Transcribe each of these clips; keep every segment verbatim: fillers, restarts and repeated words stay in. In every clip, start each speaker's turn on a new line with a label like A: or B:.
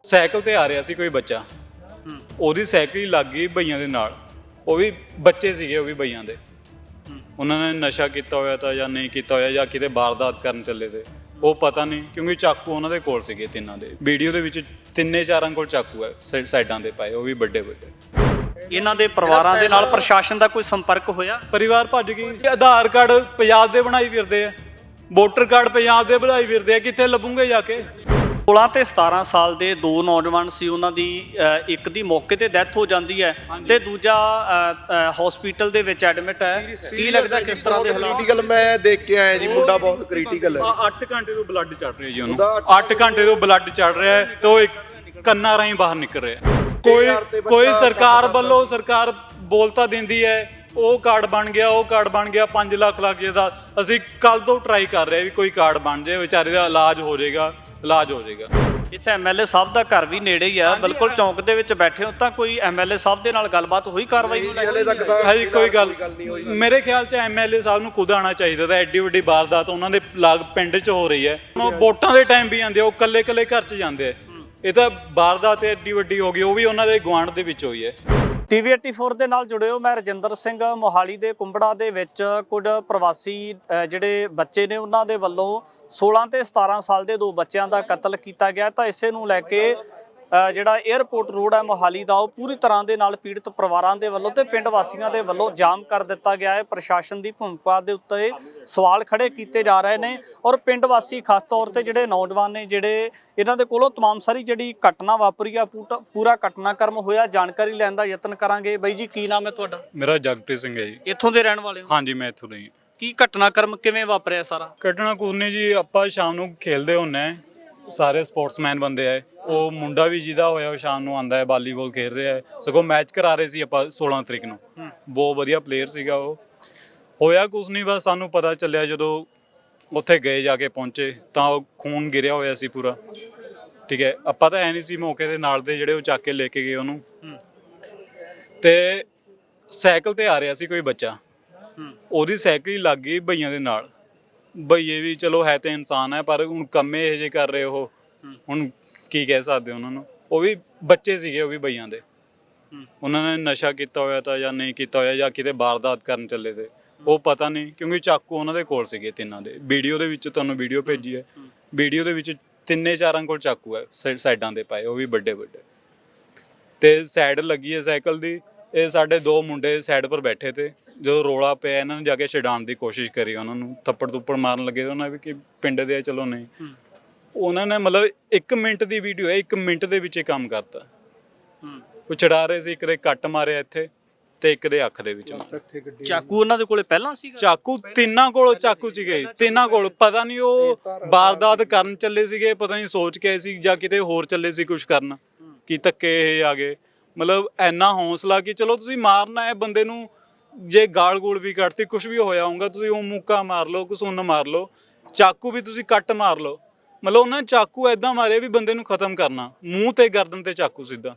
A: Cycle ਤੇ ਆ ਰਿਹਾ ਸੀ ਕੋਈ ਬੱਚਾ, ਉਹਦੀ ਸਾਈਕਲ ਹੀ ਲੱਗ ਗਈ ਬਈਆਂ ਦੇ ਨਾਲ। ਉਹ ਵੀ ਬੱਚੇ ਸੀਗੇ, ਉਹ ਵੀ ਬਈਆਂ ਦੇ। ਉਹਨਾਂ ਨੇ ਨਸ਼ਾ ਕੀਤਾ ਹੋਇਆ ਤਾਂ ਜਾਂ ਨਹੀਂ ਕੀਤਾ ਹੋਇਆ, ਜਾਂ ਕਿਤੇ ਵਾਰਦਾਤ ਕਰਨ ਚੱਲੇ ਤੇ, ਉਹ ਪਤਾ ਨਹੀਂ, ਕਿਉਂਕਿ ਚਾਕੂ ਉਹਨਾਂ ਦੇ ਕੋਲ ਸੀਗੇ ਤਿੰਨਾਂ ਦੇ। ਵੀਡੀਓ ਦੇ ਵਿੱਚ ਤਿੰਨੇ ਚਾਰਾਂ ਕੋਲ ਚਾਕੂ ਹੈ ਸਾਈਡਾਂ ਦੇ ਪਾਏ, ਉਹ ਵੀ ਵੱਡੇ ਵੱਡੇ।
B: ਇਹਨਾਂ ਦੇ ਪਰਿਵਾਰਾਂ ਦੇ ਨਾਲ ਪ੍ਰਸ਼ਾਸਨ ਦਾ ਕੋਈ ਸੰਪਰਕ ਹੋਇਆ?
A: ਪਰਿਵਾਰ ਭੱਜ ਗਈ। ਆਧਾਰ ਕਾਰਡ ਪੰਜਾਬ ਦੇ ਬਣਾਈ ਫਿਰਦੇ ਆ, ਵੋਟਰ ਕਾਰਡ ਪੰਜਾਬ ਦੇ ਬਣਾਈ ਫਿਰਦੇ ਆ, ਕਿੱਥੇ ਲੱਭੂਗੇ ਜਾ ਕੇ?
B: ਸੋਲਾਂ ਤੇ ਸਤਾਰਾਂ ਸਾਲ ਦੇ ਦੋ ਨੌਜਵਾਨ ਸੀ, ਉਹਨਾਂ ਦੀ ਇੱਕ ਦੀ ਮੌਕੇ ਤੇ ਡੈਥ ਹੋ ਜਾਂਦੀ ਹੈ ਤੇ ਦੂਜਾ ਹਸਪੀਟਲ ਦੇ ਵਿੱਚ ਐਡਮਿਟ ਹੈ। ਕੀ ਲੱਗਦਾ ਕਿਸ ਤਰ੍ਹਾਂ ਦੇ ਹਾਲਾਤ?
C: ਕ੍ਰਿਟੀਕਲ ਮੈਂ ਦੇਖ ਕੇ ਆਇਆ ਜੀ, ਮੁੰਡਾ ਬਹੁਤ ਕ੍ਰਿਟੀਕਲ ਹੈ।
A: ਅੱਠ ਘੰਟੇ ਤੋਂ ਬਲੱਡ ਚੜ ਰਿਹਾ ਜੀ ਉਹਨੂੰ, ਅੱਠ ਘੰਟੇ ਤੋਂ ਬਲੱਡ ਚੜ ਰਿਹਾ ਹੈ ਤੇ ਉਹ ਇੱਕ ਕੰਨਾਂ ਰਾਹੀਂ ਬਾਹਰ ਨਿਕਲ ਰਿਹਾ। ਕੋਈ ਕੋਈ ਸਰਕਾਰ ਵੱਲੋਂ ਸਰਕਾਰ ਬੋਲਤਾ ਦਿੰਦੀ ਹੈ, ਉਹ ਕਾਰਡ ਬਣ ਗਿਆ, ਉਹ ਕਾਰਡ ਬਣ ਗਿਆ, ਪੰਜ ਲੱਖ ਲੱਖ ਦਾ। ਅਸੀਂ ਕੱਲ ਤੋਂ ਟਰਾਈ ਕਰ ਰਹੇ ਵੀ ਕੋਈ ਕਾਰਡ ਬਣ ਜਾਏ, ਵਿਚਾਰੇ ਦਾ ਇਲਾਜ ਹੋ ਜਾਏਗਾ, ਇਲਾਜ ਹੋ ਜਾਏਗਾ।
B: ਇੱਥੇ ਐਮਐਲਏ ਸਾਹਿਬ ਦਾ ਘਰ ਵੀ ਨੇੜੇ ਹੀ ਆ, ਬਿਲਕੁਲ ਚੌਂਕ ਦੇ ਵਿੱਚ ਬੈਠੇ ਹੋ, ਤਾਂ ਕੋਈ ਐਮਐਲਏ ਸਾਹਿਬ ਦੇ ਨਾਲ ਗੱਲਬਾਤ ਹੋਈ ਕਾਰਵਾਈ ਨੂੰ?
C: ਹਲੇ ਤੱਕ ਤਾਂ
A: ਹਾਂਜੀ ਕੋਈ ਗੱਲ ਨਹੀਂ ਹੋਈ। ਮੇਰੇ ਖਿਆਲ 'ਚ ਐਮਐਲਏ ਸਾਹਿਬ ਨੂੰ ਖੁਦ ਆਉਣਾ ਚਾਹੀਦਾ ਤਾਂ। ਐਡੀ ਵੱਡੀ ਵਾਰਦਾਤ ਉਹਨਾਂ ਦੇ ਲਾਗ ਪਿੰਡ 'ਚ ਹੋ ਰਹੀ ਹੈ, ਉਹ ਵੋਟਾਂ ਦੇ ਟਾਈਮ ਵੀ ਆਉਂਦੇ, ਉਹ ਇਕੱਲੇ ਇਕੱਲੇ ਘਰ 'ਚ ਜਾਂਦੇ ਆ। ਇਹ ਤਾਂ ਵਾਰਦਾਤ ਐਡੀ ਵੱਡੀ ਹੋ ਗਈ, ਉਹ ਵੀ ਉਹਨਾਂ ਦੇ ਗੁਆਂਢ ਦੇ ਵਿੱਚ ਹੋਈ ਹੈ।
B: ਟੀਵੀ ਚੌਰਾਸੀ ਦੇ ਨਾਲ ਜੁੜੇ ਹੋ, ਮੈਂ ਰਜਿੰਦਰ ਸਿੰਘ। ਮੋਹਾਲੀ ਦੇ ਕੁੰਬੜਾ ਦੇ ਵਿੱਚ ਕੁਝ ਪ੍ਰਵਾਸੀ ਜਿਹੜੇ ਬੱਚੇ ਨੇ, ਉਹਨਾਂ ਦੇ ਵੱਲੋਂ ਸੋਲਾਂ ਤੇ ਸਤਾਰਾਂ ਸਾਲ ਦੇ ਦੋ ਬੱਚਿਆਂ ਦਾ ਕਤਲ ਕੀਤਾ ਗਿਆ। ਤਾਂ ਇਸੇ ਨੂੰ ਲੈ ਕੇ ਜਿਹੜਾ 에ਅਰਪੋਰਟ ਰੋਡ ਹੈ ਮੋਹਾਲੀ ਦਾ, ਉਹ ਪੂਰੀ ਤਰ੍ਹਾਂ ਦੇ ਨਾਲ ਪੀੜਤ ਪਰਿਵਾਰਾਂ ਦੇ ਵੱਲੋਂ ਤੇ ਪਿੰਡ ਵਾਸੀਆਂ ਦੇ ਵੱਲੋਂ ਜਾਮ ਕਰ ਦਿੱਤਾ ਗਿਆ ਹੈ। ਪ੍ਰਸ਼ਾਸਨ ਦੀ ਭੂਮਿਕਾ ਦੇ ਉੱਤੇ ਸਵਾਲ ਖੜੇ ਕੀਤੇ ਜਾ ਰਹੇ ਨੇ ਔਰ ਪਿੰਡ ਵਾਸੀ ਖਾਸ ਤੌਰ ਤੇ ਜਿਹੜੇ ਨੌਜਵਾਨ ਨੇ, ਜਿਹੜੇ ਇਹਨਾਂ ਦੇ ਕੋਲੋਂ ਤਮਾਮ ਸਾਰੀ ਜਿਹੜੀ ਘਟਨਾ ਵਾਪਰੀ ਆ, ਪੂਰਾ ਘਟਨਾਕ੍ਰਮ ਹੋਇਆ, ਜਾਣਕਾਰੀ ਲੈਣ ਦਾ ਯਤਨ ਕਰਾਂਗੇ। ਬਾਈ ਜੀ, ਕੀ ਨਾਮ ਹੈ ਤੁਹਾਡਾ?
A: ਮੇਰਾ ਜਗਪ੍ਰੀਤ ਸਿੰਘ ਹੈ ਜੀ।
B: ਇੱਥੋਂ ਦੇ ਰਹਿਣ ਵਾਲੇ ਹੋ?
A: ਹਾਂਜੀ, ਮੈਂ ਇੱਥੋਂ ਦਾ ਹੀ।
B: ਕੀ ਘਟਨਾਕ੍ਰਮ ਕਿਵੇਂ ਵਾਪਰਿਆ ਸਾਰਾ?
A: ਘਟਨਾ ਕੁਝ ਨਹੀਂ ਜੀ, ਆਪਾਂ ਸ਼ਾਮ ਨੂੰ ਖੇਲਦੇ ਹੁੰਦੇ ਆ, ਸਾਰੇ ਸਪੋਰਟਸਮੈਨ ਬੰਦੇ ਆ। ਉਹ ਮੁੰਡਾ ਵੀ ਜਿਹਦਾ ਹੋਇਆ ਉਹ ਸ਼ਾਮ ਨੂੰ ਆਉਂਦਾ ਹੈ, ਵਾਲੀਬਾਲ ਖੇਡ ਰਿਹਾ ਹੈ। ਸਗੋਂ ਮੈਚ ਕਰਾ ਰਹੇ ਸੀ ਆਪਾਂ ਸੋਲਾਂ ਤਰੀਕ ਨੂੰ, ਬਹੁਤ ਵਧੀਆ ਪਲੇਅਰ ਸੀਗਾ ਉਹ। ਹੋਇਆ ਕੁਛ ਨਹੀਂ, ਬਸ ਸਾਨੂੰ ਪਤਾ ਚੱਲਿਆ ਜਦੋਂ ਉੱਥੇ ਗਏ, ਜਾ ਕੇ ਪਹੁੰਚੇ ਤਾਂ ਉਹ ਖੂਨ ਗਿਰਿਆ ਹੋਇਆ ਸੀ ਪੂਰਾ। ਠੀਕ ਹੈ, ਆਪਾਂ ਤਾਂ ਐ ਨਹੀਂ ਸੀ ਮੌਕੇ ਦੇ ਨਾਲ ਦੇ, ਜਿਹੜੇ ਉਹ ਚੱਕ ਕੇ ਲੈ ਕੇ ਗਏ ਉਹਨੂੰ। ਤੇ ਸਾਈਕਲ ਤੇ ਆ ਰਿਹਾ ਸੀ ਕੋਈ ਬੱਚਾ, ਉਹਦੀ ਸਾਈਕਲ ਹੀ ਲੱਗ ਗਈ ਬਈਆਂ ਦੇ ਨਾਲ। ਬਈਏ ਵੀ ਚਲੋ ਹੈ ਤੇ ਇਨਸਾਨ ਹੈ, ਪਰ ਹੁਣ ਕੰਮੇ ਇਹੋ ਜਿਹੇ ਕਰ ਰਹੇ ਉਹ, ਹੁਣ ਕੀ ਕਹਿ ਸਕਦੇ ਉਹਨਾਂ ਨੂੰ। ਉਹ ਵੀ ਬੱਚੇ ਸੀਗੇ, ਉਹ ਵੀ ਬਈਆਂ ਦੇ। ਉਹਨਾਂ ਨੇ ਨਸ਼ਾ ਕੀਤਾ ਹੋਇਆ ਤਾਂ ਜਾਂ ਨਹੀਂ ਕੀਤਾ ਹੋਇਆ, ਜਾਂ ਕਿਤੇ ਵਾਰਦਾਤ ਕਰਨ ਚੱਲੇ ਤੇ, ਉਹ ਪਤਾ ਨਹੀਂ, ਕਿਉਂਕਿ ਚਾਕੂ ਉਹਨਾਂ ਦੇ ਕੋਲ ਸੀਗੇ ਤਿੰਨਾਂ ਦੇ। ਵੀਡੀਓ ਦੇ ਵਿੱਚ ਤੁਹਾਨੂੰ ਵੀਡੀਓ ਭੇਜੀ ਹੈ, ਵੀਡੀਓ ਦੇ ਵਿੱਚ ਤਿੰਨੇ ਚਾਰਾਂ ਕੋਲ ਚਾਕੂ ਹੈ ਸਾਈਡਾਂ ਦੇ ਪਾਏ, ਉਹ ਵੀ ਵੱਡੇ ਵੱਡੇ। ਤੇ ਸਾਈਡ ਲੱਗੀ ਹੈ ਸਾਈਕਲ ਦੀ। ਇਹ ਸਾਡੇ ਦੋ ਮੁੰਡੇ ਸਾਈਡ ਪਰ ਬੈਠੇ ਤੇ, ਜਦੋਂ ਰੋਲਾ ਪਿਆ ਇਹਨਾਂ ਨੇ ਜਾ ਕੇ ਛਡਾਉਣ ਦੀ ਕੋਸ਼ਿਸ਼ ਕਰੀ, ਉਹਨਾਂ ਨੂੰ ਥੱਪੜ ਥੁੱਪੜ ਮਾਰਨ ਲੱਗੇ। ਉਹਨਾਂ ਵੀ ਕਿ ਪਿੰਡ ਦੇ ਆ, ਚਲੋ ਨਹੀਂ। ਉਹਨਾਂ ਨੇ ਮਤਲਬ ਇੱਕ ਮਿੰਟ ਦੀ ਵੀਡੀਓ ਹੈ, ਇੱਕ ਮਿੰਟ ਦੇ ਵਿੱਚ ਇਹ ਕੰਮ ਕਰਤਾ। ਉਹ ਛਡਾ ਰਹੇ ਸੀ, ਇੱਕ ਦੇ ਕੱਟ ਮਾਰਿਆ ਇੱਥੇ ਤੇ ਇੱਕ ਦੇ ਅੱਖ ਦੇ ਵਿੱਚ।
B: ਚਾਕੂ ਉਹਨਾਂ ਦੇ ਕੋਲੇ ਪਹਿਲਾਂ ਸੀ?
A: ਚਾਕੂ ਤਿੰਨਾਂ ਕੋਲ ਚਾਕੂ ਸੀਗੇ, ਤਿੰਨਾਂ ਕੋਲ। ਪਤਾ ਨਹੀਂ ਉਹ ਵਾਰਦਾਤ ਕਰਨ ਚੱਲੇ ਸੀਗੇ, ਪਤਾ ਨਹੀਂ ਸੋਚ ਕੇ ਸੀ, ਜਾਂ ਕਿਤੇ ਹੋਰ ਚੱਲੇ ਸੀ ਕੁਛ ਕਰਨ, ਕੀ ਧੱਕੇ ਇਹ ਆ ਗਏ। ਮਤਲਬ ਇੰਨਾ ਹੌਸਲਾ ਕਿ ਚਲੋ ਤੁਸੀਂ ਮਾਰਨਾ ਹੈ ਬੰਦੇ ਨੂੰ, ਜੇ ਗਾਲ ਗੂਲ ਵੀ ਕੱਢਤੀ, ਕੁਛ ਵੀ ਹੋਇਆ ਹੋਊਗਾ, ਤੁਸੀਂ ਉਹ ਮੁੱਕਾ ਮਾਰ ਲਓ, ਘਸੁੰਨ ਮਾਰ ਲਓ, ਚਾਕੂ ਵੀ ਤੁਸੀਂ ਕੱਟ ਮਾਰ ਲਓ। ਮਤਲਬ ਉਹਨਾਂ ਨੇ ਚਾਕੂ ਏਦਾਂ ਮਾਰਿਆ ਵੀ ਬੰਦੇ ਨੂੰ ਖਤਮ ਕਰਨਾ, ਮੂੰਹ ਤੇ ਗਰਦਨ ਤੇ ਚਾਕੂ ਸਿੱਧਾ,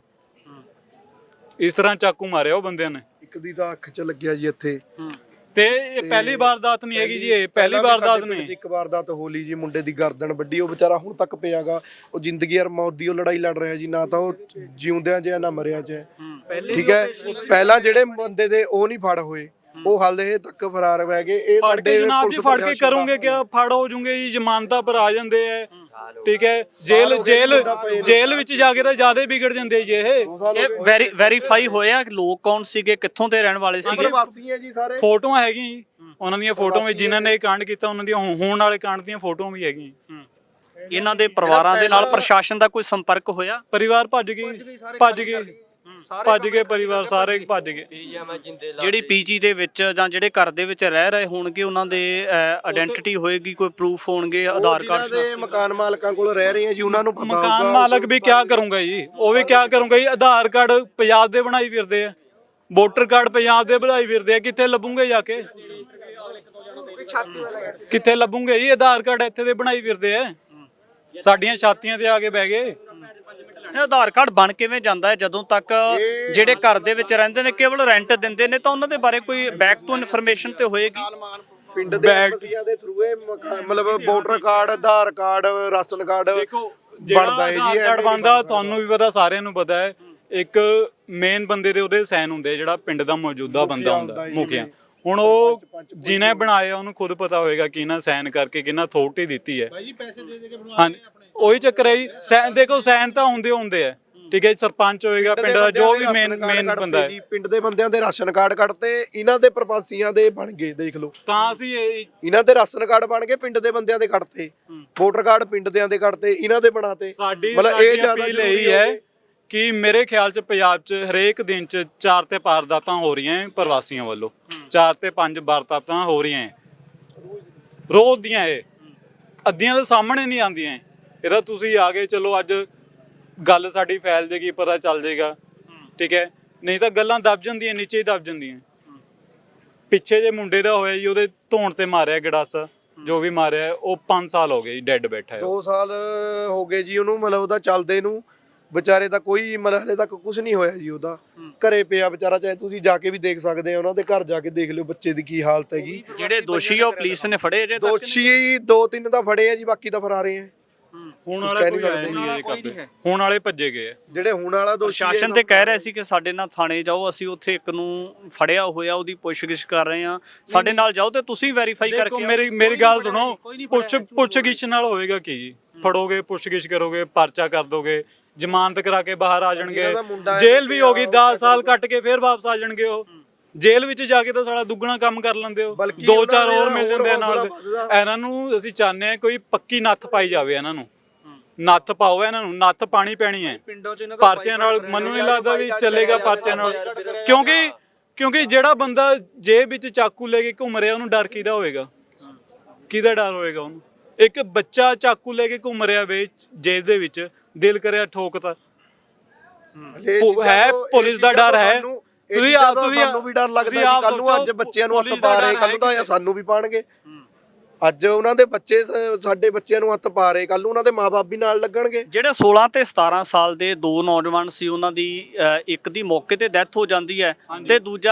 A: ਇਸ ਤਰ੍ਹਾਂ ਚਾਕੂ ਮਾਰਿਆ ਉਹ ਬੰਦਿਆਂ ਨੇ।
C: ਇੱਕ ਦੀ ਤਾਂ ਅੱਖ 'ਚ ਲੱਗਿਆ ਜੀ ਇੱਥੇ।
A: ਤੇ ਇਹ ਪਹਿਲੀ ਵਾਰਦਾਤ ਨਹੀਂ ਹੈਗੀ ਜੀ, ਇਹ ਪਹਿਲੀ ਵਾਰਦਾਤ ਨਹੀਂ।
C: ਇੱਕ ਵਾਰਦਾਤ ਹੋਲੀ ਜੀ, ਮੁੰਡੇ ਦੀ ਗਰਦਨ ਵੱਡੀ, ਉਹ ਵਿਚਾਰਾ ਹੁਣ ਤੱਕ ਪਿਆਗਾ। ਉਹ ਜ਼ਿੰਦਗੀ ਔਰ ਮੌਤ ਦੀ ਉਹ ਲੜਾਈ ਲੜ ਰਿਹਾ ਜੀ, ਨਾ ਤਾਂ ਉਹ ਜਿਉਂਦਿਆਂ 'ਚ ਨਾ ਮਰਿਆਂ 'ਚ। ਠੀਕ ਹੈ, ਪਹਿਲਾਂ ਜਿਹੜੇ ਬੰਦੇ ਦੇ ਉਹ ਨਹੀਂ ਫੜ ਹੋਏ, ਉਹ ਹਾਲੇ ਤੱਕ ਫਰਾਰ ਰਹਿ ਗਏ। ਇਹ ਸਾਡੇ
A: ਜਨਾਬ ਜੀ ਫੜ ਕੇ ਕਰੋਗੇ ਕਿਆ? ਫੜ ਹੋ ਜੂਗੇ ਜੀ, ਜ਼ਮਾਨਤਾਂ ਪਰ ਆ ਜਾਂਦੇ ਐ। ਠੀਕ ਹੈ, ਜੇਲ੍ਹ ਜੇਲ੍ਹ ਜੇਲ੍ਹ ਵਿੱਚ ਜਾ ਕੇ ਤਾਂ ਜ਼ਿਆਦਾ ਵਿਗੜ ਜਾਂਦੇ ਜੀ। ਇਹ
B: ਵੈਰੀ ਵੈਰੀਫਾਈ ਹੋਇਆ ਲੋਕ ਕੌਣ ਸੀਗੇ, ਕਿੱਥੋਂ ਦੇ ਰਹਿਣ ਵਾਲੇ ਸੀਗੇ?
C: ਪ੍ਰਵਾਸੀ ਹੈ ਜੀ ਸਾਰੇ।
A: ਫੋਟੋਆਂ ਹੈਗੀਆਂ ਜੀ ਉਹਨਾਂ ਦੀਆਂ, ਫੋਟੋਆਂ ਵਿੱਚ ਜਿਨ੍ਹਾਂ ਨੇ ਇਹ ਕਾਂਡ ਕੀਤਾ ਉਹਨਾਂ ਦੀਆਂ ਹੋਣ ਵਾਲੇ ਕਾਂਡ ਦੀਆਂ ਫੋਟੋਆਂ ਵੀ ਹੈਗੀਆਂ।
B: ਇਹਨਾਂ ਦੇ ਪਰਿਵਾਰਾਂ ਦੇ ਨਾਲ ਪ੍ਰਸ਼ਾਸਨ ਦਾ ਕੋਈ ਸੰਪਰਕ ਹੋਇਆ?
A: ਪਰਿਵਾਰ ਭੱਜ ਗਈ, ਭੱਜ ਗਏ ਭੱਜ ਗਏ ਪਰਿਵਾਰ ਸਾਰੇ ਭੱਜ ਗਏ।
B: ਜਿਹੜੀ ਪੀਜੀ ਦੇ ਵਿੱਚ ਜਾਂ ਜਿਹੜੇ ਘਰ ਦੇ ਵਿੱਚ ਰਹਿ ਰਹੇ ਹੋਣਗੇ, ਉਹਨਾਂ ਦੇ ਆਇਡੈਂਟੀਟੀ ਹੋਏਗੀ, ਕੋਈ ਪ੍ਰੂਫ ਹੋਣਗੇ, ਆਧਾਰ ਕਾਰਡ
C: ਦੇ। ਮਕਾਨ ਮਾਲਕਾਂ ਕੋਲ ਰਹਿ ਰਹੇ ਆ ਜੀ, ਉਹਨਾਂ ਨੂੰ ਪਤਾ ਹੋਊਗਾ।
A: ਮਕਾਨ ਮਾਲਕ ਵੀ ਕਿਆ ਕਰੂੰਗਾ ਜੀ, ਉਹ ਵੀ ਕਿਆ ਕਰੂੰਗਾ ਜੀ। ਆਧਾਰ ਕਾਰਡ ਪੰਜਾਬ ਦੇ ਬਣਾਈ ਫਿਰਦੇ ਆ, ਵੋਟਰ ਕਾਰਡ ਪੰਜਾਬ ਦੇ ਬਣਾਈ ਫਿਰਦੇ ਆ, ਕਿੱਥੇ ਲੱਭੂਗੇ ਜਾ ਕੇ? ਕਿੱਥੇ ਲੱਭੂਗੇ ਜੀ? ਆਧਾਰ ਕਾਰਡ ਇੱਥੇ ਦੇ ਬਣਾਈ ਫਿਰਦੇ ਆ, ਸਾਡੀਆਂ ਛਾਤੀਆਂ ਤੇ ਆ ਕੇ ਬਹਿ ਗਏ।
B: ਆਧਾਰ ਕਾਰਡ ਬਣ ਕਿਵੇਂ ਜਾਂਦਾ ਹੈ? ਜਦੋਂ ਤੱਕ ਜਿਹੜੇ ਘਰ ਦੇ ਵਿੱਚ ਰਹਿੰਦੇ ਨੇ ਕੇਵਲ ਰੈਂਟ ਦਿੰਦੇ ਨੇ, ਤਾਂ ਉਹਨਾਂ ਦੇ ਬਾਰੇ ਕੋਈ ਬੈਕ ਤੋਂ ਇਨਫੋਰਮੇਸ਼ਨ ਤੇ ਹੋਏਗੀ?
C: ਪਿੰਡ ਦੇ ਐਮਸੀਆਂ ਦੇ ਥਰੂ ਇਹ ਮਤਲਬ voter card, Aadhaar card, ration card ਬਣਦਾ ਹੈ ਜੀ
A: ਆਧਾਰ ਕਾਰਡ ਬਣਦਾ ਤੁਹਾਨੂੰ ਵੀ ਪਤਾ, ਸਾਰਿਆਂ ਨੂੰ ਪਤਾ ਹੈ। ਇੱਕ ਮੇਨ ਬੰਦੇ ਦੇ ਉਹਦੇ ਸਾਈਨ ਹੁੰਦੇ ਜਿਹੜਾ ਪਿੰਡ ਦਾ ਮੌਜੂਦਾ ਬੰਦਾ ਹੁੰਦਾ, ਮੁਖੀਆ। ਹੁਣ ਉਹ ਜਿਹਨੇ ਬਣਾਇਆ ਉਹਨੂੰ ਖੁਦ ਪਤਾ ਹੋਏਗਾ ਕਿ ਨਾ ਸਾਈਨ ਕਰਕੇ ਕਿੰਨਾ ਅਥਾਰਟੀ ਦਿੱਤੀ ਹੈ। ਹਾਂ, ਉਹੀ ਚੱਕਰ ਹੈ ਜੀ। ਸਾਈਨ ਦੇਖੋ, ਸਾਈਨ ਤਾਂ ਹੁੰਦੇ ਹੁੰਦੇ ਆ, ਠੀਕ ਹੈ। ਸਰਪੰਚ ਹੋਏਗਾ ਪਿੰਡ ਦਾ, ਜੋ ਵੀ ਮੇਨ ਮੇਨ ਬੰਦਾ ਹੈ।
C: ਪਿੰਡ ਦੇ ਬੰਦਿਆਂ ਦੇ ਰਾਸ਼ਨ ਕਾਰਡ ਕੱਢਤੇ, ਇਹਨਾਂ ਦੇ ਪ੍ਰਵਾਸੀਆਂ ਦੇ ਬਣ ਗਏ, ਦੇਖ ਲਓ।
A: ਤਾਂ ਅਸੀਂ ਇਹ
C: ਇਹਨਾਂ ਦੇ ਰਾਸ਼ਨ ਕਾਰਡ ਬਣ ਗਏ, ਪਿੰਡ ਦੇ ਬੰਦਿਆਂ ਦੇ ਕੱਢਤੇ। ਵੋਟਰ ਕਾਰਡ ਪਿੰਡ ਦਿਆਂ ਦੇ ਕੱਢਤੇ, ਇਹਨਾਂ ਦੇ ਬਣਾਤੇ।
A: ਸਾਡੀ
C: ਮਤਲਬ ਇਹ ਜ਼ਿਆਦਾ
A: ਅਪੀਲ ਇਹੀ ਹੈ ਕਿ ਮੇਰੇ ਖਿਆਲ ਚ ਪੰਜਾਬ ਚ ਹਰੇਕ ਦਿਨ ਚ ਚਾਰ ਤੇ ਵਾਰਦਾਤਾਂ ਹੋ ਰਹੀਆਂ ਹੈ ਪ੍ਰਵਾਸੀਆਂ ਵੱਲੋਂ, ਚਾਰ ਤੇ ਪੰਜ ਵਾਰਦਾਤਾਂ ਹੋ ਰਹੀਆਂ ਹੈ ਰੋਜ਼ ਦੀਆਂ। ਇਹ ਅੱਧੀਆਂ ਦੇ ਸਾਹਮਣੇ ਨਹੀਂ ਆਉਂਦੀਆਂ। ਇਹਦਾ ਤੁਸੀਂ ਆ ਗਏ, ਚਲੋ ਅੱਜ ਗੱਲ ਸਾਡੀ ਫੈਲ ਜੇਗੀ, ਪਤਾ ਚੱਲ ਜੇਗਾ, ਠੀਕ ਹੈ। ਨਹੀਂ ਤਾਂ ਗੱਲਾਂ ਦਬ ਜਾਂਦੀਆਂ, ਨੀਚੇ ਹੀ ਦਬ ਜਾਂਦੀਆਂ। ਪਿੱਛੇ ਜੇ ਮੁੰਡੇ ਦਾ ਹੋਇਆ ਜੀ, ਉਹਦੇ ਧੌਣ ਤੇ ਮਾਰਿਆ ਗੜਾਸਾ, ਜੋ ਵੀ ਮਾਰਿਆ, ਉਹ ਪੰਜ ਸਾਲ ਹੋ ਗਏ ਜੀ ਡੈੱਡ ਬੈਠਾ ਹੈ।
C: ਦੋ ਸਾਲ ਹੋ ਗਏ ਜੀ ਉਹਨੂੰ, ਮਤਲਬ ਉਹਦਾ ਚੱਲਦੇ ਨੂੰ। ਵਿਚਾਰੇ ਦਾ ਕੋਈ ਮਤਲਬ ਹਲੇ ਤੱਕ ਕੁਝ ਨਹੀਂ ਹੋਇਆ ਜੀ। ਉਹਦਾ ਘਰੇ ਪਿਆ ਵਿਚਾਰਾ, ਚਾਹੇ ਤੁਸੀਂ ਜਾ ਕੇ ਵੀ ਦੇਖ ਸਕਦੇ ਆ, ਉਹਨਾਂ ਦੇ ਘਰ ਜਾ ਕੇ ਦੇਖ ਲਿਓ ਬੱਚੇ ਦੀ ਕੀ ਹਾਲਤ ਹੈਗੀ।
B: ਜਿਹੜੇ ਦੋਸ਼ੀ ਆ ਉਹ ਪੁਲਿਸ ਨੇ ਫੜੇ ਜੇ?
C: ਦੋਸ਼ੀ ਦੋ ਤਿੰਨ ਤਾਂ ਫੜੇ ਆ ਜੀ, ਬਾਕੀ ਤਾਂ ਫਰਾਰੇ ਆ।
A: ਹੁਣ ਵਾਲੇ ਕੋਈ ਆਇਆ ਨਹੀਂ ਹੈ, ਹੁਣ ਵਾਲੇ ਭੱਜੇ ਗਏ ਆ।
C: ਜਿਹੜੇ ਹੁਣ ਵਾਲਾ ਦੋਸ਼ੀ ਹੈ,
B: ਪ੍ਰਸ਼ਾਸਨ ਤੇ ਕਹਿ ਰਿਹਾ ਸੀ ਕਿ ਸਾਡੇ ਨਾਲ ਥਾਣੇ ਜਾਓ, ਅਸੀਂ ਉੱਥੇ ਇੱਕ ਨੂੰ ਫੜਿਆ ਹੋਇਆ, ਉਹਦੀ ਪੁੱਛਗਿੱਛ ਕਰ ਰਹੇ ਆ, ਸਾਡੇ ਨਾਲ ਜਾਓ ਤੇ ਤੁਸੀਂ ਵੈਰੀਫਾਈ ਕਰਕੇ
A: ਦੇਖੋ ਮੇਰੀ ਮੇਰੀ ਗੱਲ ਸੁਣੋ, ਪੁੱਛ ਪੁੱਛਗਿੱਛ ਨਾਲ ਹੋਏਗਾ ਕੀ ਜੀ? ਫੜੋਗੇ, ਪੁੱਛਗਿੱਛ ਕਰੋਗੇ, ਪਰਚਾ ਕਰ ਦੋਗੇ, ਜ਼ਮਾਨਤ ਕਰਾ ਕੇ ਬਾਹਰ ਆ ਜਾਣਗੇ, ਜੇਲ੍ਹ ਵੀ ਹੋਗੀ, ਦਸ ਸਾਲ ਕੱਟ ਕੇ ਫਿਰ ਵਾਪਸ ਆ ਜਾਣਗੇ। ਉਹ ਜੇਲ੍ਹ ਵਿੱਚ ਜਾ ਕੇ ਤਾਂ ਸਾਡਾ ਦੁੱਗਣਾ ਕੰਮ ਕਰ ਲੈਂਦੇ ਹੋ, ਦੋ ਚਾਰ ਹੋਰ ਮਿਲ ਜਾਂਦੇ ਆ ਨਾਲ। ਇਹਨਾਂ ਨੂੰ ਅਸੀਂ ਚਾਹੁੰਦੇ ਆ ਕੋਈ ਪੱਕੀ ਨੱਥ ਪਾਈ ਜਾਵੇ, ਇਹਨਾਂ ਨੂੰ ਨੱਥ ਪਾਓ, ਇਹਨਾਂ ਨੂੰ ਨੱਥ ਪਾਣੀ ਪੈਣੀ ਹੈ। ਪਰਚਿਆਂ ਨਾਲ ਮੈਨੂੰ ਨਹੀਂ ਲੱਗਦਾ ਵੀ ਚੱਲੇਗਾ, ਪਰਚਿਆਂ ਨਾਲ। ਕਿਉਂਕਿ ਕਿਉਂਕਿ ਜਿਹੜਾ ਬੰਦਾ ਜੇਬ ਵਿੱਚ ਚਾਕੂ ਲੈ ਕੇ ਘੁੰਮ ਰਿਹਾ, ਉਹਨੂੰ ਡਰ ਕਿਹਦਾ ਹੋਏਗਾ? ਕਿਹਦਾ ਡਰ ਹੋਏਗਾ ਉਹਨੂੰ? ਇੱਕ ਬੱਚਾ ਚਾਕੂ ਲੈ ਕੇ ਘੁੰਮ ਰਿਹਾ ਵੇ ਜੇਬ ਦੇ ਵਿੱਚ, ਦਿਲ ਕਰਿਆ ਠੋਕਤਾ, ਹੈ ਪੁਲਿਸ ਦਾ ਡਰ ਹੈ। ਤੁਸੀਂ ਆ ਤੁਸੀਂ
C: ਸਾਨੂੰ ਵੀ ਡਰ ਲੱਗਦਾ ਜੀ, ਕੱਲ ਨੂੰ ਅੱਜ ਬੱਚਿਆਂ ਨੂੰ ਹੱਥ ਪਾ ਰਹੇ, ਕੱਲ ਨੂੰ ਤਾਂ ਸਾਨੂੰ ਵੀ ਪਾਣਗੇ। ਅੱਜ ਉਹਨਾਂ ਦੇ ਬੱਚੇ ਸਾਡੇ ਬੱਚਿਆਂ ਨੂੰ ਹੱਥ ਪਾ ਰਹੇ, ਕੱਲ ਨੂੰ ਉਹਨਾਂ ਦੇ ਮਾਪੇ ਵੀ ਨਾਲ ਲੱਗਣਗੇ।
B: ਜਿਹੜੇ ਸੋਲਾਂ ਤੇ ਸਤਾਰਾਂ ਸਾਲ ਦੇ ਦੋ ਨੌਜਵਾਨ ਸੀ, ਉਹਨਾਂ ਦੀ ਇੱਕ ਦੀ ਮੌਕੇ ਤੇ ਡੈਥ ਹੋ ਜਾਂਦੀ ਹੈ ਤੇ ਦੂਜਾ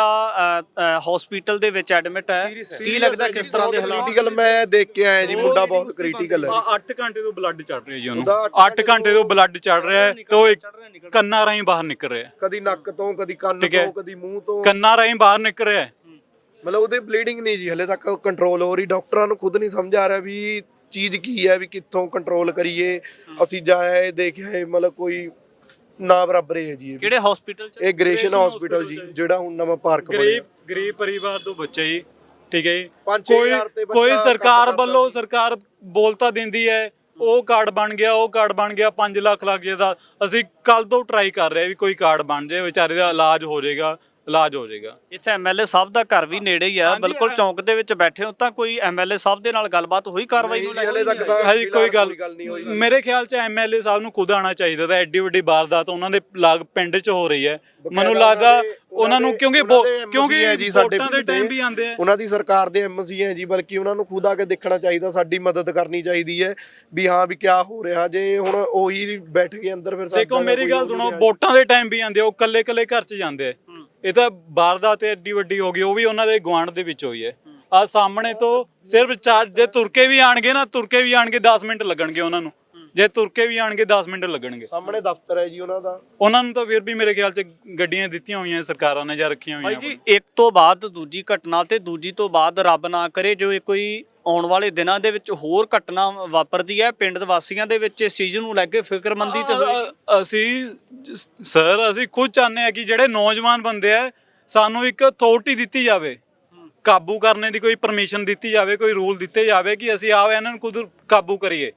B: ਹਸਪੀਟਲ ਦੇ ਵਿੱਚ ਐਡਮਿਟ ਹੈ। ਕੀ ਲੱਗਦਾ ਕਿਸ ਤਰ੍ਹਾਂ ਦੇ ਹਾਲਾਤ?
C: ਕ੍ਰਿਟੀਕਲ ਮੈਂ ਦੇਖ ਕੇ ਆਇਆ ਜੀ, ਮੁੰਡਾ ਬਹੁਤ ਕ੍ਰਿਟੀਕਲ ਹੈ।
A: ਅੱਠ ਘੰਟੇ ਤੋਂ ਬਲੱਡ ਚੜ ਰਿਹਾ ਜੀ ਉਹਨੂੰ, ਅੱਠ ਘੰਟੇ ਤੋਂ ਬਲੱਡ ਚੜ ਰਿਹਾ ਤੇ ਉਹ ਕੰਨਾਂ ਰਾਹੀਂ ਬਾਹਰ ਨਿਕਲ ਰਿਹਾ,
C: ਕਦੀ ਨੱਕ ਤੋਂ, ਕਦੀ ਕੰਨ ਤੋਂ, ਕਦੀ ਮੂੰਹ ਤੋਂ,
A: ਕੰਨਾਂ ਰਾਹੀਂ ਬਾਹਰ ਨਿਕਲ ਰਿਹਾ।
C: ਮਤਲਬ ਉਹਦੇ ਬਲੀਡਿੰਗ ਨਹੀਂ ਜੀ ਹਲੇ ਤੱਕ ਕੰਟਰੋਲ ਹੋ ਰਹੀ। ਡਾਕਟਰਾਂ ਨੂੰ ਖੁਦ ਨਹੀਂ ਸਮਝ ਆ ਰਿਹਾ ਵੀ ਚੀਜ਼ ਕੀ ਹੈ, ਵੀ ਕਿੱਥੋਂ ਕੰਟਰੋਲ ਕਰੀਏ। ਅਸੀਂ ਜਾਏ ਦੇਖਿਆ, ਮਤਲਬ ਕੋਈ ਨਾ ਬਰਾਬਰ ਹੈ ਜੀ।
B: ਕਿਹੜੇ ਹਸਪੀਟਲ ਚ?
C: ਇਹ ਗ੍ਰੇਸ਼ਨ ਹਸਪੀਟਲ ਜੀ, ਜਿਹੜਾ ਹੁਣ ਨਵਾਂ ਪਾਰਕ ਬਣਿਆ।
A: ਗਰੀਬ ਗਰੀਬ ਪਰਿਵਾਰ ਤੋਂ ਬੱਚੇ ਜੀ, ਠੀਕ ਹੈ ਜੀ। ਕੋਈ ਕੋਈ ਸਰਕਾਰ ਵੱਲੋਂ ਸਰਕਾਰ ਬੋਲਤਾ ਦਿੰਦੀ ਹੈ, ਉਹ ਕਾਰਡ ਬਣ ਗਿਆ, ਉਹ ਕਾਰਡ ਬਣ ਗਿਆ, ਪੰਜ ਲੱਖ ਲੱਗ ਜਾਏਗਾ। ਅਸੀਂ ਕੱਲ ਤੋਂ ਟਰਾਈ ਕਰ ਰਹੇ ਵੀ ਕੋਈ ਕਾਰਡ ਬਣ ਜਾਏ, ਵਿਚਾਰੇ ਦਾ ਇਲਾਜ ਹੋ ਜਾਏਗਾ, ਇਲਾਜ ਹੋ ਜਾਏਗਾ।
B: ਇੱਥੇ ਐਮਐਲਏ ਸਾਹਿਬ ਦਾ ਘਰ ਵੀ ਨੇੜੇ ਹੀ ਆ, ਬਿਲਕੁਲ ਚੌਂਕ ਦੇ ਵਿੱਚ ਬੈਠੇ ਹੋ, ਤਾਂ ਕੋਈ ਐਮਐਲਏ ਸਾਹਿਬ ਦੇ ਨਾਲ ਗੱਲਬਾਤ ਹੋਈ ਕਾਰਵਾਈ ਨੂੰ ਲੈ ਕੇ?
C: ਹਲੇ ਤੱਕ ਤਾਂ
A: ਹਜੇ ਕੋਈ ਗੱਲ ਨਹੀਂ ਹੋਈ। ਮੇਰੇ ਖਿਆਲ 'ਚ ਐਮਐਲਏ ਸਾਹਿਬ ਨੂੰ ਖੁਦ ਆਉਣਾ ਚਾਹੀਦਾ ਤਾਂ। ਐਡੀ ਵੱਡੀ ਵਾਰਦਾਤ ਉਹਨਾਂ ਦੇ ਲਾਗ ਪਿੰਡ 'ਚ ਹੋ ਰਹੀ ਹੈ, ਮੈਨੂੰ ਲੱਗਦਾ ਉਹਨਾਂ ਨੂੰ, ਕਿਉਂਕਿ ਕਿਉਂਕਿ
C: ਜੀ ਸਾਡੇ
A: ਵੋਟਾਂ ਦੇ ਟਾਈਮ ਵੀ ਆਉਂਦੇ ਆ,
C: ਉਹਨਾਂ ਦੀ ਸਰਕਾਰ ਦੇ ਐਮਸੀ ਹੈ ਜੀ, ਬਲਕਿ ਉਹਨਾਂ ਨੂੰ ਖੁਦ ਆ ਕੇ ਦੇਖਣਾ ਚਾਹੀਦਾ, ਸਾਡੀ ਮਦਦ ਕਰਨੀ ਚਾਹੀਦੀ ਹੈ ਵੀ ਹਾਂ ਵੀ ਕਿਆ ਹੋ ਰਿਹਾ। ਜੇ ਹੁਣ ਉਹੀ ਬੈਠ ਕੇ ਅੰਦਰ, ਫਿਰ
A: ਦੇਖੋ ਮੇਰੀ ਗੱਲ ਸੁਣੋ, ਵੋਟਾਂ ਦੇ ਟਾਈਮ ਵੀ ਆਉਂਦੇ, ਉਹ ਕੱਲੇ ਕੱਲੇ ਘਰ 'ਚ ਜਾਂਦੇ ਆ। ਇਹ ਤਾਂ ਵਾਰਦਾਤ ਐਡੀ ਵੱਡੀ ਹੋ ਗਈ, ਉਹ ਵੀ ਉਹਨਾਂ ਦੇ ਗੁਆਂਢ ਦੇ ਵਿੱਚ ਹੋਈ ਹੈ। ਆ ਸਾਹਮਣੇ ਤੋਂ ਸਿਰਫ ਚਾਰ, ਜੇ ਤੁਰ ਕੇ ਵੀ ਆਣਗੇ ਨਾ, ਤੁਰ ਕੇ ਵੀ ਆਣਗੇ ਦਸ ਮਿੰਟ ਲੱਗਣਗੇ ਉਹਨਾਂ ਨੂੰ, ਜੇ ਤੁਰ ਕੇ ਵੀ ਆਣਗੇ ਦਸ ਮਿੰਟ ਲੱਗਣਗੇ।
C: ਸਾਹਮਣੇ ਦਫ਼ਤਰ ਹੈ ਜੀ ਉਹਨਾਂ ਦਾ।
A: ਉਹਨਾਂ ਨੂੰ ਤਾਂ ਫਿਰ ਵੀ ਮੇਰੇ ਖਿਆਲ 'ਚ ਗੱਡੀਆਂ ਦਿੱਤੀਆਂ ਹੋਈਆਂ ਸਰਕਾਰਾਂ ਨੇ ਜਾਂ ਰੱਖੀਆਂ ਹੋਈਆਂ।
B: ਭਾਈ ਜੀ, ਇੱਕ ਤੋਂ ਬਾਅਦ ਦੂਜੀ ਘਟਨਾ ਤੇ ਦੂਜੀ ਤੋਂ ਬਾਅਦ ਰੱਬ ਨਾ ਕਰੇ ਜੋ ਇਹ ਕੋਈ ਆਉਣ ਵਾਲੇ ਦਿਨਾਂ ਦੇ ਵਿੱਚ ਹੋਰ ਘਟਨਾ ਵਾਪਰਦੀ ਹੈ, ਪਿੰਡ ਦੇ ਵਾਸੀਆਂ ਦੇ ਵਿੱਚ ਇਸ ਚੀਜ਼ ਨੂੰ ਲੈ ਕੇ ਫਿਕਰਮੰਦੀ ਤੇ ਹੋਏ?
A: ਅਸੀਂ ਸਰ ਅਸੀਂ ਖੁਦ ਚਾਹੁੰਦੇ ਹਾਂ ਕਿ ਜਿਹੜੇ ਨੌਜਵਾਨ ਬੰਦੇ ਆ, ਸਾਨੂੰ ਇੱਕ ਅਥਾਰਟੀ ਦਿੱਤੀ ਜਾਵੇ, ਕਾਬੂ ਕਰਨੇ ਦੀ ਕੋਈ ਪਰਮਿਸ਼ਨ ਦਿੱਤੀ ਜਾਵੇ, ਕੋਈ ਰੂਲ ਦਿੱਤੇ ਜਾਵੇ ਕਿ ਅਸੀਂ ਆਓ ਇਹਨਾਂ ਨੂੰ ਖੁਦ ਕਾਬੂ ਕਰੀਏ।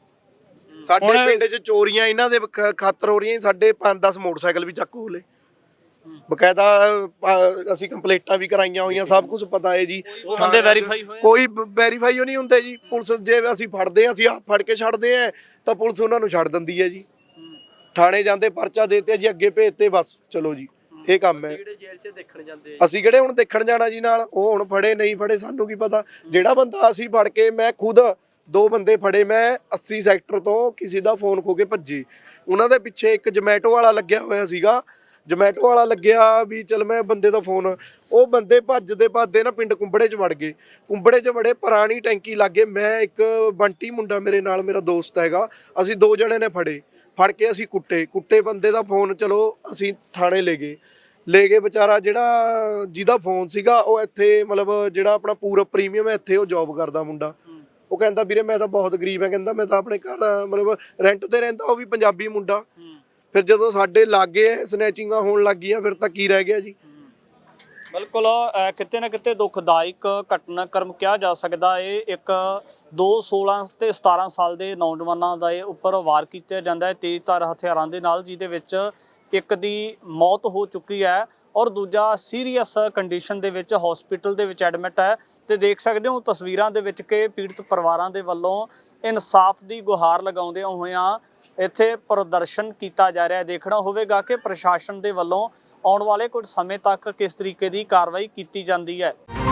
C: ਸਾਡੇ ਪਿੰਡ 'ਚ ਚੋਰੀਆਂ ਇਹਨਾਂ ਦੇ ਖਾਤਰ ਹੋ ਰਹੀਆਂ। ਸਾਡੇ ਪੰਜ ਦਸ ਮੋਟਰਸਾਈਕਲ ਵੀ ਚੱਕ ਹੋਲੇ, ਬਕਾਇਦਾ ਅਸੀਂ ਕੰਪਲੇਂਟਾਂ ਵੀ ਕਰਾਈਆਂ ਹੋਈਆਂ, ਸਭ ਕੁਝ ਪਤਾ ਹੈ ਜੀ।
B: ਬੰਦੇ ਵੈਰੀਫਾਈ ਹੋਏ?
C: ਕੋਈ ਵੈਰੀਫਾਈ ਨਹੀਂ ਹੁੰਦੇ ਜੀ। ਪੁਲਿਸ ਜੇ ਅਸੀਂ ਫੜਦੇ ਆ, ਅਸੀਂ ਆਪ ਫੜ ਕੇ ਛੱਡਦੇ ਆ, ਤਾਂ ਪੁਲਿਸ ਉਹਨਾਂ ਨੂੰ ਛੱਡ ਦਿੰਦੀ ਹੈ ਜੀ। ਥਾਣੇ ਜਾਂਦੇ, ਪਰਚਾ ਦੇਤੇ ਜੀ, ਅੱਗੇ ਭੇਜਤੇ, ਬਸ ਚਲੋ ਜੀ, ਇਹ ਕੰਮ ਹੈ। ਅਸੀਂ ਕਿਹੜੇ ਹੁਣ ਦੇਖਣ ਜਾਣਾ ਜੀ ਨਾਲ? ਉਹ ਹੁਣ ਫੜੇ ਨਹੀਂ ਫੜੇ ਸਾਨੂੰ ਕੀ ਪਤਾ। ਜਿਹੜਾ ਬੰਦਾ ਅਸੀਂ ਫੜ ਕੇ, ਮੈਂ ਖੁਦ ਦੋ ਬੰਦੇ ਫੜੇ, ਮੈਂ ਅੱਸੀ ਸੈਕਟਰ ਤੋਂ ਕਿਸੇ ਦਾ ਫੋਨ ਖੋ ਕੇ ਭੱਜੇ। ਉਹਨਾਂ ਦੇ ਪਿੱਛੇ ਇੱਕ ਜਮੈਟੋ ਵਾਲਾ ਲੱਗਿਆ ਹੋਇਆ ਸੀਗਾ, ਜਮੈਟੋ ਵਾਲਾ ਲੱਗਿਆ ਵੀ ਚਲ ਮੈਂ ਬੰਦੇ ਦਾ ਫੋਨ, ਉਹ ਬੰਦੇ ਭੱਜਦੇ ਭੱਜਦੇ ਨਾ ਪਿੰਡ ਕੁੰਬੜੇ 'ਚ ਵੜ ਗਏ। ਕੁੰਬੜੇ 'ਚ ਵੜੇ, ਪੁਰਾਣੀ ਟੈਂਕੀ ਲੱਗੇ। ਮੈਂ ਇੱਕ ਬੰਟੀ ਮੁੰਡਾ ਮੇਰੇ ਨਾਲ, ਮੇਰਾ ਦੋਸਤ ਹੈਗਾ, ਅਸੀਂ ਦੋ ਜਣੇ ਨੇ ਫੜੇ। ਫੜ ਕੇ ਅਸੀਂ ਕੁੱਟੇ ਕੁੱਟੇ ਬੰਦੇ ਦਾ ਫੋਨ, ਚਲੋ ਅਸੀਂ ਥਾਣੇ ਲੈ ਗਏ ਲੈ ਗਏ ਵਿਚਾਰਾ ਜਿਹੜਾ ਜਿਹਦਾ ਫੋਨ ਸੀਗਾ ਉਹ ਇੱਥੇ ਮਤਲਬ ਜਿਹੜਾ ਆਪਣਾ ਪੂਰਾ ਪ੍ਰੀਮੀਅਮ ਹੈ ਇੱਥੇ ਉਹ ਜੌਬ ਕਰਦਾ ਮੁੰਡਾ। ਉਹ ਕਹਿੰਦਾ ਵੀਰੇ ਮੈਂ ਤਾਂ ਬਹੁਤ ਗਰੀਬ ਹਾਂ, ਕਹਿੰਦਾ ਮੈਂ ਤਾਂ ਆਪਣੇ ਘਰ ਮਤਲਬ ਰੈਂਟ ਤੇ ਰਹਿੰਦਾ, ਉਹ ਵੀ ਪੰਜਾਬੀ ਮੁੰਡਾ। ਫਿਰ ਜਦੋਂ ਸਾਡੇ ਲਾਗੇ ਸਨੈਚਿੰਗਾਂ ਹੋਣ ਲੱਗ ਗਈਆਂ ਫਿਰ ਤਾਂ ਕੀ ਰਹਿ ਗਿਆ ਜੀ।
B: ਬਿਲਕੁਲ ਅਹ ਕਿਤੇ ਨਾ ਕਿਤੇ ਦੁਖਦਾਇਕ ਘਟਨਾਕ੍ਰਮ ਕਿਹਾ ਜਾ ਸਕਦਾ ਹੈ। ਇੱਕ ਦੋ ਸੋਲਾਂ ਤੇ ਸਤਾਰਾਂ ਸਾਲ ਦੇ ਨੌਜਵਾਨਾਂ ਦਾ ਇਹ ਉੱਪਰ ਵਾਰ ਕੀਤਾ ਜਾਂਦਾ ਹੈ ਤੇਜ਼ਧਾਰ ਹਥਿਆਰਾਂ ਦੇ ਨਾਲ, ਜਿਹਦੇ ਵਿੱਚ ਇੱਕ ਦੀ ਮੌਤ ਹੋ ਚੁੱਕੀ ਹੈ ਔਰ ਦੂਜਾ ਸੀਰੀਅਸ ਕੰਡੀਸ਼ਨ ਦੇ ਵਿੱਚ ਹਸਪੀਟਲ ਦੇ ਵਿੱਚ ਐਡਮਿਟ ਹੈ। ਤੇ ਦੇਖ ਸਕਦੇ ਹੋ ਤਸਵੀਰਾਂ ਦੇ ਵਿੱਚ ਕਿ ਪੀੜਤ ਪਰਿਵਾਰਾਂ ਦੇ ਵੱਲੋਂ ਇਨਸਾਫ ਦੀ ਗੁਹਾਰ ਲਗਾਉਂਦਿਆਂ ਹੋਇਆਂ ਇੱਥੇ ਪ੍ਰਦਰਸ਼ਨ ਕੀਤਾ ਜਾ ਰਿਹਾ ਹੈ। ਦੇਖਣਾ ਹੋਵੇਗਾ ਕਿ ਪ੍ਰਸ਼ਾਸਨ ਦੇ ਵੱਲੋਂ ਆਉਣ ਵਾਲੇ ਕੁਝ ਸਮੇਂ ਤੱਕ ਕਿਸ ਤਰੀਕੇ ਦੀ ਕਾਰਵਾਈ ਕੀਤੀ ਜਾਂਦੀ ਹੈ।